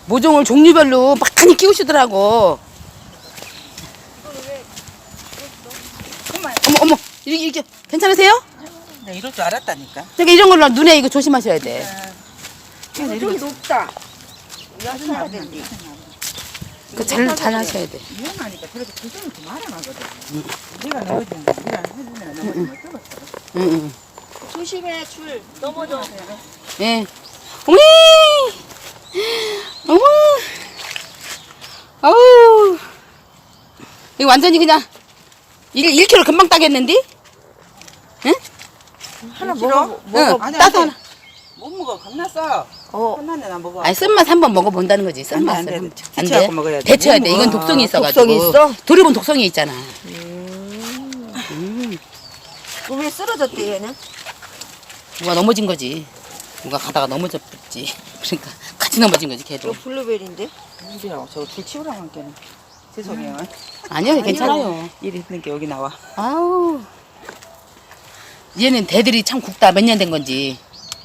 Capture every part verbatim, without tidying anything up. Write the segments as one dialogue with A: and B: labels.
A: 모종을 종류별로 많이 키우시더라고. 어머 어머 이렇게, 이렇게 괜찮으세요?
B: 나 이럴 줄 알았다니까.
A: 그러니까 이런 걸로 눈에 이거 조심하셔야 돼.
C: 이거 좀 높다. 이거 사야 된대.
A: 그잘 잘 하셔야 돼.
B: 위험하니까 저렇게 조정을 좀 알아놔거든. 네가 넘어지는데 네가 해주면 넘어지면 뜨겁다.
A: 응, 응.
C: 조심해, 줄. 넘어져.
A: 예. 어머니! 어머! 어우. 이거 완전히 그냥 일, 일 킬로그램 금방 따겠는데? 응?
B: 하나 먹어.
A: 응,
B: 아니,
A: 따서
B: 아니.
A: 하나.
B: 못 먹어. 겁났어.
C: 어.
B: 끝났네 나 먹어.
A: 아니, 쓴맛 한번 먹어본다는 거지, 쓴맛을.
B: 안 돼, 안 돼.
A: 안 돼?
B: 데쳐갖고 먹어야 돼.
A: 데쳐야
B: 못
A: 돼. 이건
B: 먹어.
A: 독성이 있어가지고.
C: 독성이 있어?
A: 돌이본 독성이 있잖아.
C: 왜 쓰러졌대, 얘는?
A: 누가 넘어진 거지. 누가 가다가 넘어졌지. 그러니까 같이 넘어진 거지, 걔도.
C: 이거 블루베리인데?
B: 우리라고 저거 줄 치우라고 한 게는. 죄송해요.
A: 아니요, 괜찮아요.
B: 일 있는 게 여기 나와.
A: 아우. 얘는 대들이 참 굵다. 몇 년 된 건지.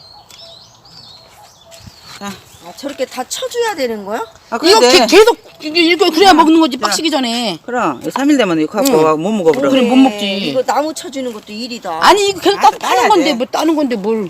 B: 자,
C: 아, 저렇게 다 쳐줘야 되는 거야?
B: 아,
A: 이거
B: 그래.
A: 게- 계속 이거 이거 그래야 먹는 거지. 빡시기 전에.
B: 그럼 삼 일 되면 이거 갖고
A: 응.
B: 못 먹어버려.
A: 그래, 못 먹지.
C: 이거 나무 쳐주는 것도 일이다.
A: 아니 이거 계속
B: 아,
A: 따,
B: 따야
A: 따는 건데
B: 돼.
A: 뭐 따는 건데 뭘.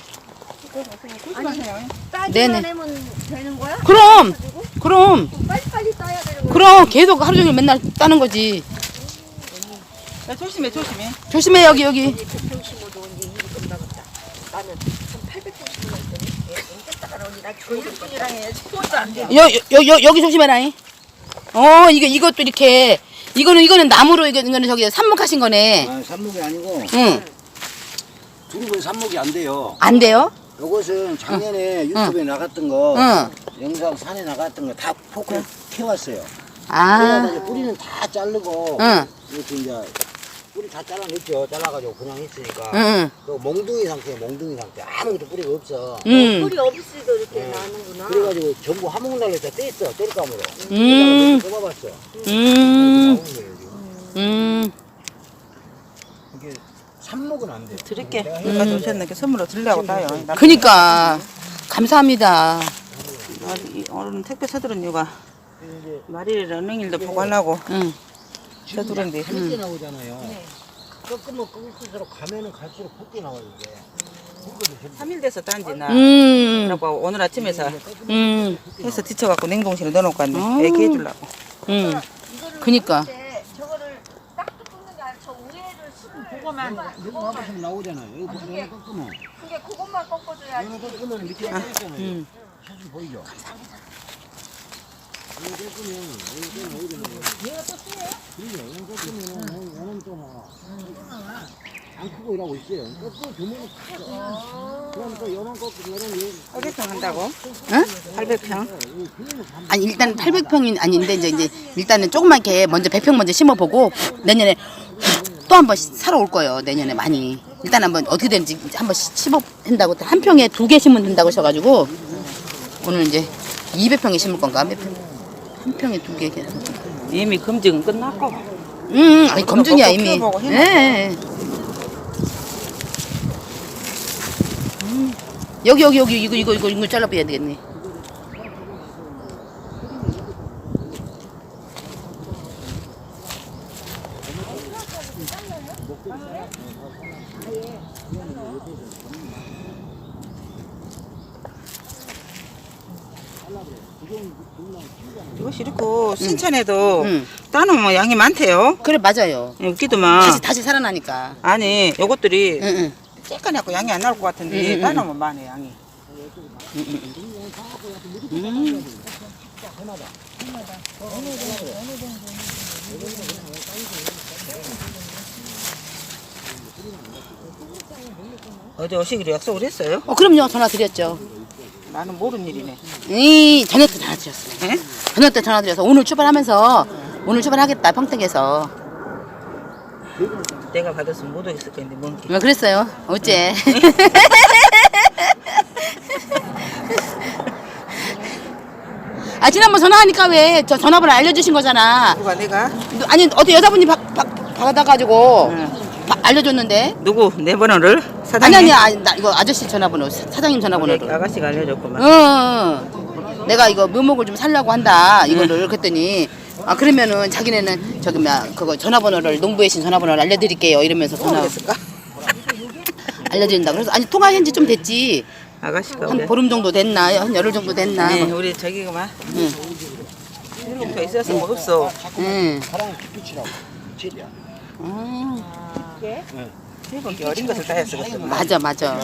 C: 따기만
A: 네네.
C: 하면 되는 거야?
A: 그럼 그럼
C: 빨리빨리 따야 되는 거야?
A: 그럼 계속 하루 종일 맨날 따는 거지.
B: 야, 조심해, 조심해.
A: 조심해 여기 여기.
C: 백 평 심어도 언제 일이 끝나겠다. 나는 한 팔백 평 심어야 되니? 언제 따라 언니 나 조일뿐이랑 해. 스포츠 안 돼.
A: 여, 여, 여, 여기 조심해라잉. 어 이거 이것도 이렇게 이거는 이거는 나무로 이거 이거는 저기 삽목하신 거네.
D: 아, 삽목이 아니고
A: 응.
D: 두릅은 삽목이 안 돼요.
A: 안 돼요?
D: 이것은 작년에 유튜브에 나갔던 거,
A: 응.
D: 영상 산에 나갔던 거 다 포크를 캐왔어요.
A: 아.
D: 그래가지고 뿌리는 다 자르고
A: 응.
D: 이렇게 이제 뿌리 다 잘라냈죠. 잘라가지고 그냥 했으니까.
A: 응.
D: 또 몽둥이 상태에 몽둥이 상태. 아무것도 뿌리가 없어.
A: 응.
C: 뿌리 없이도 이렇게 나는구나.
D: 그래가지고 전부 화목날로 다 뗐어. 뗄감으로.
A: 음.
D: 뽑아봤어.
A: 음.
D: 나오는 거예요 지금.
A: 음.
D: 이게 삽목은 안 돼.
B: 드릴게. 여기까지 오셨는데 선물로 드리려고 따요. 나-
A: 그니까 감사합니다.
B: 아, 이 오늘 택배 서두른 이유가 말일 러닝일도 보고 하려고
A: 응.
B: 서두른데
D: 붓게 나오잖아요. 꺾으면 꺾을수록 가면은 갈수록 붓게 나와요 이게.
B: 삼 일 돼서 딴지 나.
A: 음.
B: 그래갖고 오늘 아침에서
A: 음.
B: 해서 뒤쳐갖고 냉동실에 넣어놓고 왔네.
A: 아우.
B: 애기 해주려고.
A: 음. 그니까.
C: 근데 저거를 딱 뜯는 게 아니라 저 우에를 술을 그거만
D: 이거 와보시면 나오잖아요. 이거 이거 꺾으면.
C: 그게 그것만 꺾어줘야지.
D: 이거 꺾으면 밑에 있잖아요.
A: 음.
D: 사진 보이죠? 이거 꺾으면 이거 꺾으면 어디 나와요? 얘가 또 쓰네요? 그래요. 이거 꺾으면 얘는 좀 안 크고 이러고 있어요. 꺾고 주문은 크죠. 그럼 또 요만 꺾고 요런 요
B: 팔백 평 한다고?
A: 응?
B: 팔백 평?
A: 아니 일단 팔백 평이 아닌데 이제 이제 일단은 조금만 이렇게 먼저 백 평 먼저 심어보고 내년에 또 한 번 사러 올 거예요. 내년에 많이. 일단 한번 어떻게 되는지 한번 심어 된다고 한 평에 두 개 심으면 된다고 하셔가지고 오늘 이제 이백 평에 심을 건가 몇 평? 한 평에 두 개.
B: 이미 검증은 끝났고.
A: 응, 아니 검증이야
B: 먹고
A: 이미.
B: 키워보고 해놔.
A: 예. 음. 여기 여기 여기 이거 이거 이거 이거 잘라봐야 되겠네.
B: 이것이 이렇고 신천에도
A: 응.
B: 따놓으면 양이 많대요.
A: 그래 맞아요.
B: 예, 웃기더만.
A: 다시 다시 살아나니까.
B: 아니 요것들이
A: 응, 응.
B: 쬐까맣고 양이 안 나올 것 같은데
A: 응, 응,
B: 따놓으면 많네 양이.
A: 음.
B: 어제 오시기로 약속을 했어요?
A: 어 그럼요 전화 드렸죠.
B: 나는 모르는 일이네.
A: 이 저녁 때 전화 드렸어요.
B: 예?
A: 저녁 때 전화 드려서 오늘 출발하면서 오늘 출발하겠다 평택에서.
B: 내가 받았으면 못 오겠을 건데 뭔 게.
A: 왜 그랬어요? 어째? 아 지난번 전화하니까 왜 저 전화번호 알려주신 거잖아.
B: 누가 내가?
A: 누- 아니 어떤 여자분이 박, 박, 받아가지고
B: 응.
A: 바- 알려줬는데.
B: 누구? 내 번호를?
A: 아니
B: 사장님?
A: 아니 아니 나 이거 아저씨 전화번호 사- 사장님 전화번호로.
B: 아가씨가 알려줬구만.
A: 응. 응. 내가 이거 묘목을 좀 살려고 한다 이거를 그랬더니 아 그러면은 자기네는 저기 뭐야 그거 전화번호를 농부의 신 전화번호를 알려드릴게요 이러면서 전화 알려드린다. 그래서 아니 통화한 지 좀 됐지.
B: 아가씨가
A: 한
B: 우리,
A: 보름 정도 됐나 한 열흘 정도 됐나.
B: 네, 우리 저기가 막
A: 응.
B: 일곱 개 있어서 뭐 없어.
A: 응.
D: 가랑 깊이치라고. 제리야.
A: 음,
B: 일곱 개 어린 것을 다 했어. 그래서.
A: 맞아 맞아.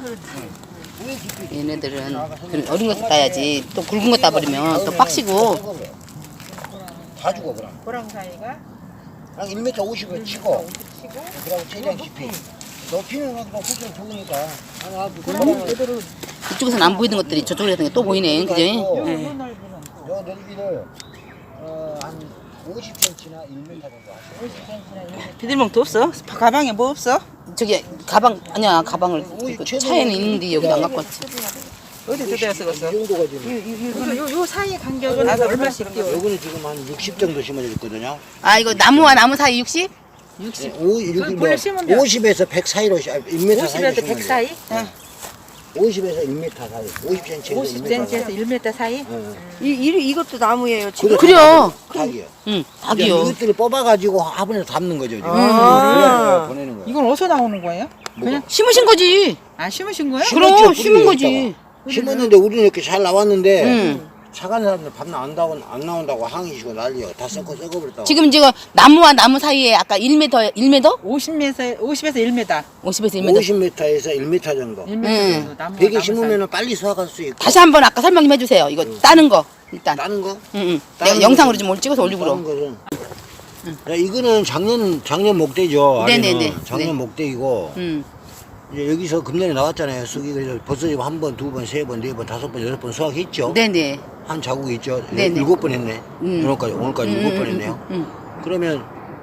A: 얘네들은 그런 어린 거 따야지. 또 굵은 거 따버리면 또 빡시고.
D: 다 죽어 그럼.
C: 고랑 사이가
D: 그냥 일 미터 오십을 치고, 그리고 최대한 깊이. 높이는 막 훨씬 좋으니까. 아, 그
A: 이쪽에서는 안 보이는 것들이 저쪽에서 또 보이네. 그지? 네.
D: 요 넓이를 어, 한 오십 센티미터나 일 미터 정도 하세요.
B: 비닐봉투 없어? 가방에 뭐 없어?
A: 저기 가방 아니야 가방을 그 차에는 있는데 여기도 안 갖고 왔지.
B: 어디 뜯어야 쓰겠어?
D: 이 정도가 지금.
C: 요, 요 사이 간격은
B: 나도
C: 얼마씩
B: 얼마씩
C: 뛰어?
D: 요거는 지금 한 육십 정도 심어져 있거든요.
A: 아 이거 나무와 나무 사이 육십?
D: 오, 이렇게 뭐
C: 원래 심으면
D: 오십에서 백 사이로 시- 아, 일 미터 사이로
C: 오십에서 백 사이?
D: 오십에서 일 미터 사이. 오십 센티미터에서
C: 오십
D: 일 미터
C: 센티미터에서
D: 사이.
C: 일 미터 사이?
D: 응.
C: 이, 이, 이것도 나무예요 지금?
A: 그래요.
D: 닭이요.
A: 응,
D: 이제
A: 닭이요.
D: 이것들을 뽑아가지고 화분에 담는 거죠. 지금.
C: 아.
D: 그래야 보내는 거예요.
C: 이건 어디서 나오는 거예요?
D: 그냥
A: 심으신 거지.
C: 아 심으신 거예요?
A: 그럼
D: 심었죠,
A: 심은
D: 뿌리를
A: 거지.
D: 심었는데 우리는 이렇게 잘 나왔는데
A: 응.
D: 차간 사람들 밤낮 안 나온다고 안 나온다고 항의시고 난리야. 다 썩고 썩어버렸다고.
A: 지금 지금 나무와 나무 사이에 아까 일 미터 일 미터?
C: 오십 미터, 오십에서 일 미터.
A: 오십에서 일 미터.
D: 오십 미터에서 일 미터 정도.
C: 일 미터
A: 응.
C: 정도 나무.
D: 베개 심으면 빨리 수확할 수 있고.
A: 다시 한번 아까 설명 좀 해주세요. 이거 따는 거 일단.
D: 다른 거?
A: 응, 응.
D: 다른
A: 내가 영상으로
D: 거는-
A: 좀 오늘 찍어서 올리고
D: 다른
A: 그러.
D: 것은. 야, 이거는 작년 작년 목대죠. 아래는.
A: 네네네.
D: 작년
A: 네.
D: 목대이고
A: 응.
D: 이제 여기서 금년에 나왔잖아요. 쑥이 그래서 벌써 한 번, 두 번, 세 번, 네 번, 다섯 번, 여섯 번 수확했죠.
A: 네네.
D: 한 자국이 있죠.
A: 네네.
D: 일곱 번 했네.
A: 음.
D: 오늘까지 오늘까지
A: 음,
D: 일곱
A: 음,
D: 번
A: 음,
D: 했네요.
A: 음,
D: 그러면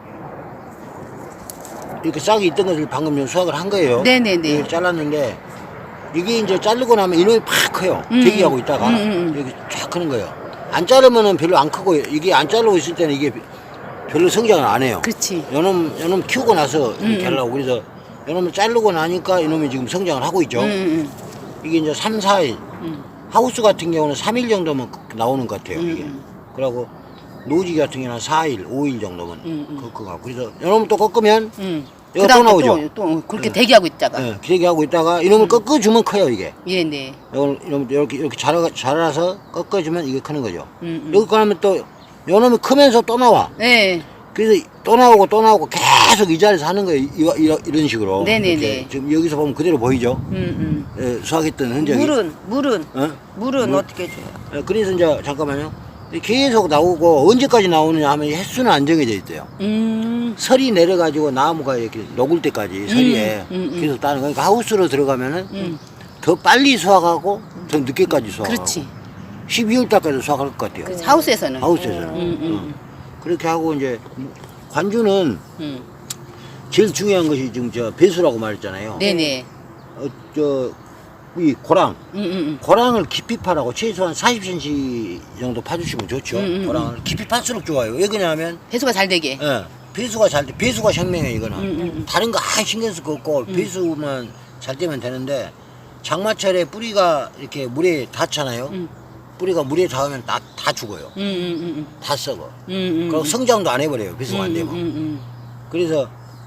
D: 이렇게 싹이 있던 것을 방금 좀 수확을 한 거예요.
A: 네네네.
D: 이렇게 잘랐는데 이게 이제 자르고 나면 이놈이 팍 커요.
A: 음.
D: 대기하고 있다가
A: 음, 음, 음.
D: 이렇게 쫙 크는 거예요. 안 자르면은 별로 안 크고 이게 안 자르고 있을 때는 이게 별로 성장을 안 해요.
A: 그렇지.
D: 요놈 요놈 키우고 나서 이렇게
A: 음.
D: 하려고 그래서 요놈을 자르고 나니까 이놈이 지금 성장을 하고 있죠.
A: 응, 응,
D: 이게 이제 삼, 사 일
A: 응.
D: 하우스 같은 경우는 삼 일 정도면 나오는 것 같아요.
A: 음,
D: 이게.
A: 음.
D: 그러고 노지 같은 경우는 사 일, 오 일 정도면
A: 음, 음.
D: 그, 그거. 그래서 이놈을 또 꺾으면
A: 응.
D: 이거 또
A: 그다음에
D: 나오죠.
A: 또, 또 그렇게
D: 네.
A: 대기하고 있다가.
D: 예, 기대기 하고 있다가 이놈을 꺾어주면 커요 이게.
A: 예, 네.
D: 이걸 이놈 이렇게 이렇게 자라 자라서 꺾어주면 이게 크는 거죠.
A: 음, 음.
D: 여기 가면 또 이놈이 크면서 또 나와.
A: 네.
D: 그래서 또 나오고 또 나오고 계속 이 자리에서 하는 거예요. 이, 이, 이런 식으로.
A: 네네네.
D: 이렇게 지금 여기서 보면 그대로 보이죠.
A: 응, 응.
D: 예, 수확했던 흔적이.
C: 물은 물은
D: 어?
C: 물은
D: 물?
C: 어떻게 줘요?
D: 예, 그래서 이제 잠깐만요. 계속 나오고 언제까지 나오느냐 하면 이 횟수는 안 정해져 있대요.
A: 음.
D: 설이 내려가지고 나무가 이렇게 녹을 때까지 서리에
A: 음, 음.
D: 계속 따는 거니까 하우스로 들어가면은
A: 음.
D: 더 빨리 수확하고 더 늦게까지 수확하고
A: 그렇지.
D: 십이월 달까지 수확할 것 같아요.
A: 그렇지. 하우스에서는.
D: 하우스에서는.
A: 음, 음.
D: 어. 그렇게 하고 이제 관주는
A: 음.
D: 제일 중요한 것이 지금 저 배수라고 말했잖아요.
A: 네네.
D: 어, 저, 이 고랑.
A: 음, 음,
D: 고랑을 깊이 파라고 최소한 사십 센티미터 정도 파주시면 좋죠.
A: 음, 음,
D: 고랑을 깊이 팔수록 좋아요. 왜 그러냐면
A: 배수가 잘 되게.
D: 예, 배수가 잘 돼. 배수가 혁명이에요, 이거는.
A: 음, 음.
D: 다른 거 아예 신경 쓸 거 없고, 배수만 잘 되면 되는데, 장마철에 뿌리가 이렇게 물에 닿잖아요.
A: 음.
D: 뿌리가 물에 닿으면 다, 다 죽어요.
A: 음, 음, 음,
D: 다 썩어.
A: 음, 음.
D: 그리고 성장도 안 해버려요, 배수가 안
A: 음,
D: 되면.
A: 음, 음.
D: 그래서,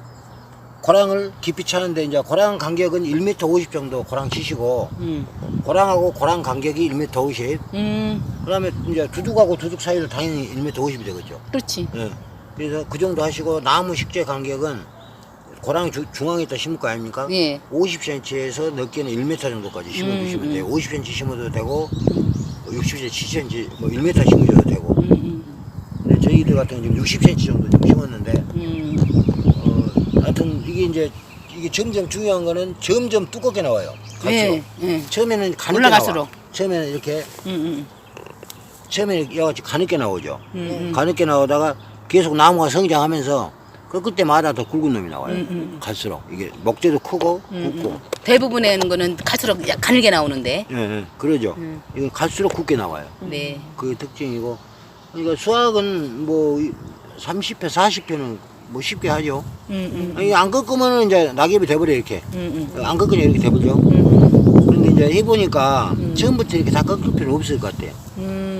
D: 고랑을 깊이 차는데, 이제 고랑 간격은 일 미터 오십 정도 고랑 치시고,
A: 음.
D: 고랑하고 고랑 간격이 일 미터 오십.
A: 음.
D: 그 다음에 이제 두둑하고 두둑 사이를 당연히 일 미터 오십이 되겠죠.
A: 그렇지.
D: 예. 그래서 그 정도 하시고 나무 식재 간격은 고랑 주, 중앙에다 심을 거 아닙니까?
A: 예.
D: 오십 센티미터에서 넓게는 일 미터 정도까지 심어주시면
A: 음,
D: 돼요. 오십 센티미터 심어도 되고 육십 센티미터, 칠십 센티미터, 뭐 일 미터 심으셔도 되고.
A: 음, 음,
D: 근데 저희들 같은 경우는 지금 육십 센티미터 정도 좀 심었는데,
A: 음.
D: 어, 하여튼 이게 이제 이게 점점 중요한 거는 점점 두껍게 나와요. 갈수록.
A: 예, 예.
D: 처음에는 가늘게
A: 올라갈수록.
D: 나와. 처음에는 이렇게
A: 음, 음.
D: 처음에 여같이 가늘게 나오죠.
A: 음, 음.
D: 가늘게 나오다가 계속 나무가 성장하면서 그 그때마다 더 굵은 놈이 나와요.
A: 음, 음.
D: 갈수록 이게 목재도 크고
A: 음,
D: 굵고.
A: 음. 대부분의 거는 갈수록 약 가늘게 나오는데.
D: 예, 예, 그러죠.
A: 음.
D: 이건 갈수록 굵게 나와요.
A: 네.
D: 그게 특징이고. 그러니까 수확은 뭐 삼십 회, 사십 회는 뭐 쉽게 하죠.
A: 음, 음.
D: 이게 안 꺾으면은 이제 낙엽이 돼버려 이렇게.
A: 음, 음.
D: 안 꺾으면 이렇게 돼버려.
A: 음,
D: 그런데 이제 해보니까 처음부터 이렇게 다 꺾을 필요 없을 것 같아요.
A: 음.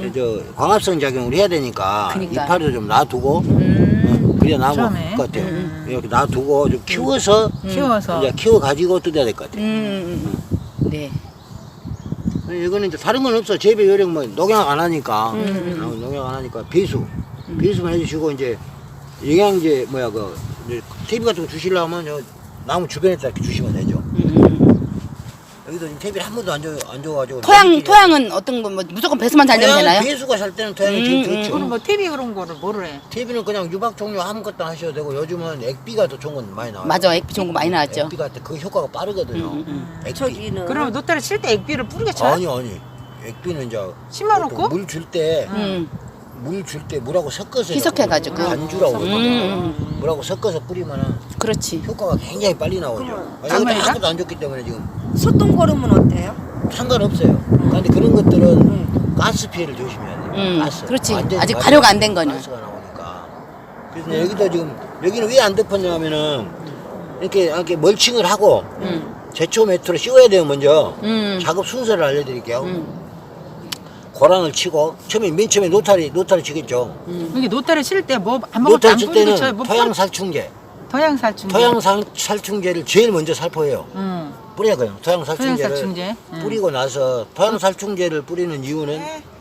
D: 저 광합성 작용을 해야 되니까
A: 그러니까.
D: 이파리도 좀 놔두고
A: 음.
D: 어, 그래야 나을
C: 처음에.
D: 것 같아요. 이렇게 놔두고 좀 키워서
C: 키워서.
D: 이제 키워 가지고 뜯어야 될 것 같아요.
A: 음. 네.
D: 이거는 이제 다른 건 없어. 재배 요령 뭐 농약 안 하니까
A: 음.
D: 어, 농약 안 하니까 배수 배수만 해주시고 이제 영양제 뭐야 그 이제 퇴비 같은 거 주시려면 저 나무 주변에다 이렇게 주시면 되죠. 여기도 지금 퇴비를 한 번도 안 줘, 안 줘가지고
A: 토양
D: 나무끼리
A: 토양은 어떤 거 뭐 무조건 배수만 잘 되면
D: 토양은
A: 되나요?
D: 배수가 살 때는 토양이 제일
A: 음,
D: 좋죠.
C: 그럼 뭐 티비 그런 거를 뭐를 해?
D: 퇴비는 그냥 유박 종류 아무것도 하셔도 되고 요즘은 액비가 더 좋은 건 많이 나와요.
A: 맞아, 액비 좋은 거 많이 나왔죠.
D: 액비가 그 효과가 빠르거든요.
A: 음,
D: 액비.
C: 저기는. 그럼 노타를 칠 때 액비를 뿌리게 쳐요?
D: 아니 아니 액비는 이제
C: 심어놓고?
D: 물 줄 때
A: 음.
D: 물 줄 때 물하고 섞어서
A: 희석해가지고.
D: 반주라고 그러거든요.
A: 음.
D: 물하고 섞어서 뿌리면은
A: 그렇지.
D: 효과가 굉장히 빨리 나오죠. 여기도
C: 가만히가?
D: 아무것도 안 좋기 때문에 지금
C: 소똥 거름은 어때요?
D: 상관없어요. 그런데 그런 것들은 가스 피해를 조심해야 돼요.
A: 음,
D: 가스.
A: 그렇지.
D: 완전히
A: 아직
D: 가스-
A: 발효가 안된 거는.
D: 가스가 나오니까. 그래서 여기도 지금 여기는 왜 안 덮었냐면은 이렇게 이렇게 멀칭을 하고
A: 음.
D: 제초 매트로 씌워야 돼요 먼저.
A: 음.
D: 작업 순서를 알려드릴게요.
A: 음.
D: 고랑을 치고 처음에 맨 처음에 노타리 노타리 치겠죠.
C: 이게 노타를 칠 때 뭐 아무것도
D: 노타리
C: 안
D: 칠
C: 뿌리고
D: 때는
C: 쳐요? 뭐
D: 토양 살충제,
C: 토양 살충제.
D: 토양 살- 살충제를 제일 먼저 살포해요.
C: 응.
D: 뿌려야 돼요. 토양 살충제를
C: 토양 살충제. 응.
D: 뿌리고 나서 토양 살충제를 뿌리는 이유는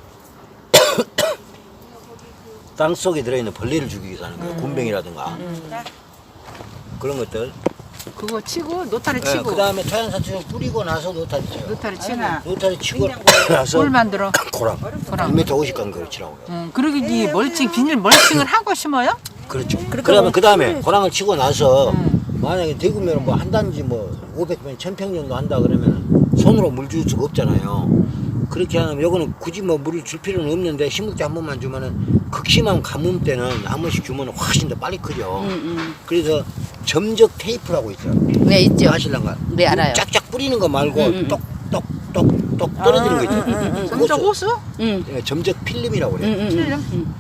D: 땅 속에 들어있는 벌레를 죽이기 위해서 하는 거예요. 곰뱅이라든가 그런 것들.
C: 그거 치고 노타를 치고
D: 그 다음에 토양 살충제 뿌리고 나서 노타리 쳐요.
C: 노타를 치고
D: 노타리 치고 나서
C: 뭘 만들어?
D: 고랑.
C: 고랑.
D: 일 미터 오십 간 그걸 치라고 해요.
C: 응. 그리고 이 멀칭 비닐 멀칭을 하고 심어요?
D: 그렇죠. 그러면 그 다음에 고랑을 치고 나서
C: 음.
D: 만약에 대구면 뭐 한 단지 뭐 오백 평, 천 평 정도 한다 그러면 손으로 물 줄 수가 없잖아요. 그렇게 하면 요거는 굳이 뭐 물을 줄 필요는 없는데 심을 때 한 번만 주면은 극심한 가뭄 때는 한 번씩 주면 훨씬 더 빨리 크죠.
A: 음, 음.
D: 그래서 점적 테이프라고 있어요.
A: 네, 있죠.
D: 아실랑가?
A: 네, 알아요.
D: 쫙쫙 뿌리는 거 말고
A: 음, 음.
D: 똑똑똑똑 떨어지는 거 있죠.
C: 점적 호수?
A: 음.
D: 예, 점적 필름이라고 그래요.
A: 음, 음,
C: 필름?
A: 음.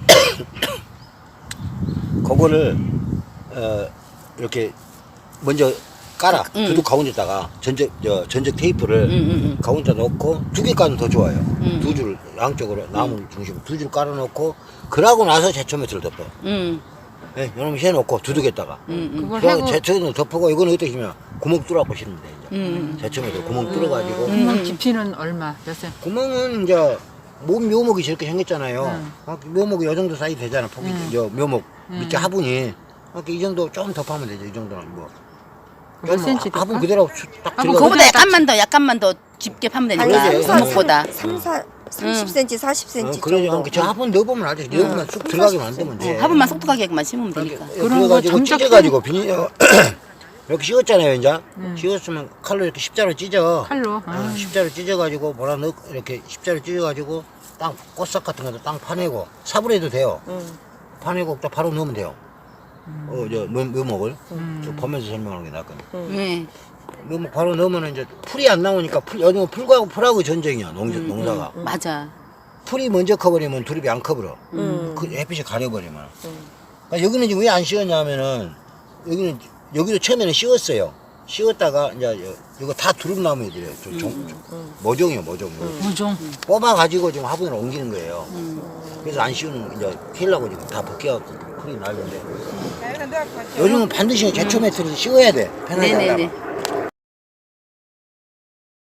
D: 그거를 어, 이렇게 먼저 깔아
A: 음.
D: 두둑 가운데다가 전적 저, 전적 테이프를
A: 음, 음, 음.
D: 가운데다 놓고 두 개까지는 더 좋아요.
A: 음.
D: 두 줄 양쪽으로 나무 중심으로 두 줄 깔아놓고 그러고 나서 제초 매트를 덮어.
A: 음.
D: 예, 요놈 해놓고 두둑에다가
A: 음, 음.
C: 그걸
D: 그리고
C: 하고
D: 제초는 덮고 이거는 어떻게 하면 구멍 뚫어갖고 심으면 돼 이제.
A: 음.
D: 제초 매트 구멍 뚫어가지고
C: 구멍 깊이는 얼마? 몇 센?
D: 구멍은 이제 몸 묘목이 저렇게 생겼잖아요.
C: 음.
D: 아, 묘목이 이 정도 사이즈 되잖아. 폭이 저 묘목 밑에 화분이 이렇게 이 정도 좀 덮으면 되죠. 이 정도는 뭐.
C: 몇 센치
D: 화분
C: 될까?
D: 그대로 수- 딱
C: 화분
D: 들어가.
A: 그거보다 약간만 더 약간만 더 깊게 파면 되니까
D: 아니지.
A: 구멍보다.
E: 삼, 사, 삼십 센티미터, 사십
D: 어,
E: 센티미터
D: 그러죠.
E: 정도.
D: 저 화분 넣어보면 알죠. 넣으면 쑥 들어가게 만들면 돼.
A: 어, 화분만 쏙 들어가게만 심으면 되니까.
C: 그런 거
D: 그래가지고
C: 점적
D: 찢어가지고 비닐 이렇게 씌웠잖아요, 이제. 씌웠으면 칼로 이렇게 십자로 찢어.
C: 칼로.
D: 어,
C: 아.
D: 십자로 찢어가지고 뭐라 넣 이렇게 십자로 찢어가지고 땅 꽃삭 같은 것도 땅 파내고 사브레도 돼요. 파내고 딱 바로 넣으면 돼요. 어, 저 묘- 묘목을 저 보면서 설명하는 게 낫거든요.
A: 네.
D: 묘목 바로 넣으면 이제 풀이 안 나오니까 풀 요즘 풀하고 풀하고 전쟁이야 농 농사가.
A: 맞아.
D: 풀이 먼저 커버리면 두릅이 안 커버려. 그 햇빛이 가려버리면. 그러니까 여기는 지금 왜 안 씌웠냐면은 여기는 여기도 처음에는 씌웠어요. 씌웠다가 이제 여- 이거 다 두릅나무들이에요. 저 종, 모종이에요, 모종.
C: 무종.
D: 뽑아가지고 지금 화분으로 옮기는 거예요. 그래서 안 씌우는 이제 키려고 지금 다 벗겨갖고 풀이 날는데 요즘은 반드시 제초 매트를 씌워야 돼. 편하게
A: 네네네.
D: 하려면.